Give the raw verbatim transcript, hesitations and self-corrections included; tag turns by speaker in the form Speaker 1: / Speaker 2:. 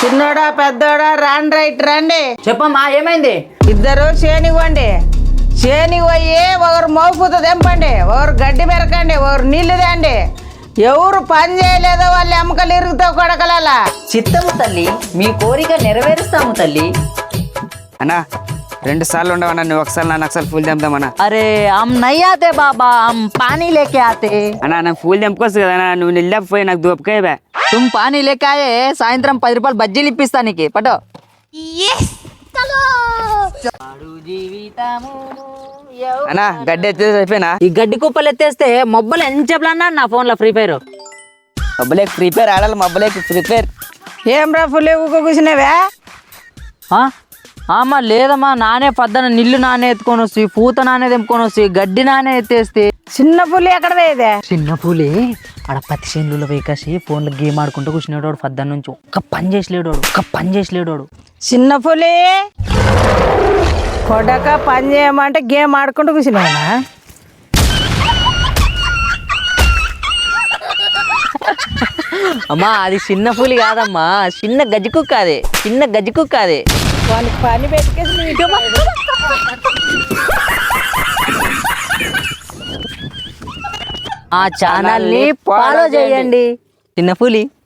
Speaker 1: చిన్నోడా పెద్దోడా రాండి రైట్ రండి.
Speaker 2: చెప్పమ్మా ఏమైంది?
Speaker 1: ఇద్దరు చేనివ్వండి. చేని పోయి ఒకరు మోపుత తెంపండి, ఒకరు గడ్డి పెరకండి, ఒకరు నీళ్లు తేండి. ఎవరు పని చేయలేదో వాళ్ళు ఎముకలు ఇరుగుతావు కొడకలలా.
Speaker 2: చిత్తము తల్లి, మీ కోరిక నెరవేరుస్తాము తల్లి.
Speaker 3: అన్నా రెండు సార్లు ఉండవన్నా, నువ్వు ఒకసారి నన్ను ఒకసారి ఫుల్ తెంపుదామన్నా.
Speaker 2: అరే హమ్ నహీ ఆతే బాబా, హమ్ పానీ లేకే ఆతే.
Speaker 3: అన్నా నాకు ఫుల్ తెంపుకోవచ్చు కదా అన్నా, నువ్వు నిల్లపోయి నాకు దూపకాయ.
Speaker 2: తుమ్ పానీ లేకే ఆయే, సాయంత్రం పది రూపాయలు బజ్జీలు ఇప్పిస్తా నీకు, పటో.
Speaker 3: అన్నా గడ్డి ఎత్తేసి అయిపోయినా.
Speaker 2: ఈ గడ్డి కుప్పలు ఎత్తేస్తే మొబ్బలు ఎంత చెప్పలన్నా నా ఫోన్ లో ఫ్రీ ఫైర్.
Speaker 3: మబ్బులేకి ఫ్రీ ఫైర్ ఆడాలి, మబ్బులేకి ఫ్రీ ఫైర్.
Speaker 1: ఏం రా ఫుల్ కూర్చున్నావా?
Speaker 2: అమ్మా లేదమ్మా, నానే పద్దన నిల్లు నానే ఎత్తుకొని వస్తే, పూత నానే తెంపుకొని వస్తే, గడ్డి నానే ఎత్తేస్తే.
Speaker 1: చిన్న పులి ఎక్కడ వేదే?
Speaker 2: చిన్న పూలే ఆడ పత్తి చేనులో వేకాసి ఫోన్లో గేమ్ ఆడుకుంటూ కూర్చునేవాడు పద్దన నుంచి. ఒక్క పని చేసలేడు, ఒక్క పని చేసలేడు.
Speaker 1: చిన్న పులి కొడక పని చేయమంటే గేమ్ ఆడుకుంటూ కూర్చున్నావా?
Speaker 2: అమ్మా అది చిన్న పూలి కాదమ్మా, చిన్న గజ్జి కుక్క అదే, చిన్న గజ్జి కుక్క అదే.
Speaker 1: వాళ్ళకి పని పెట్టుకేసి
Speaker 2: ఆ ఛానల్ ని ఫాలో చేయండి. చిన్న పూలి.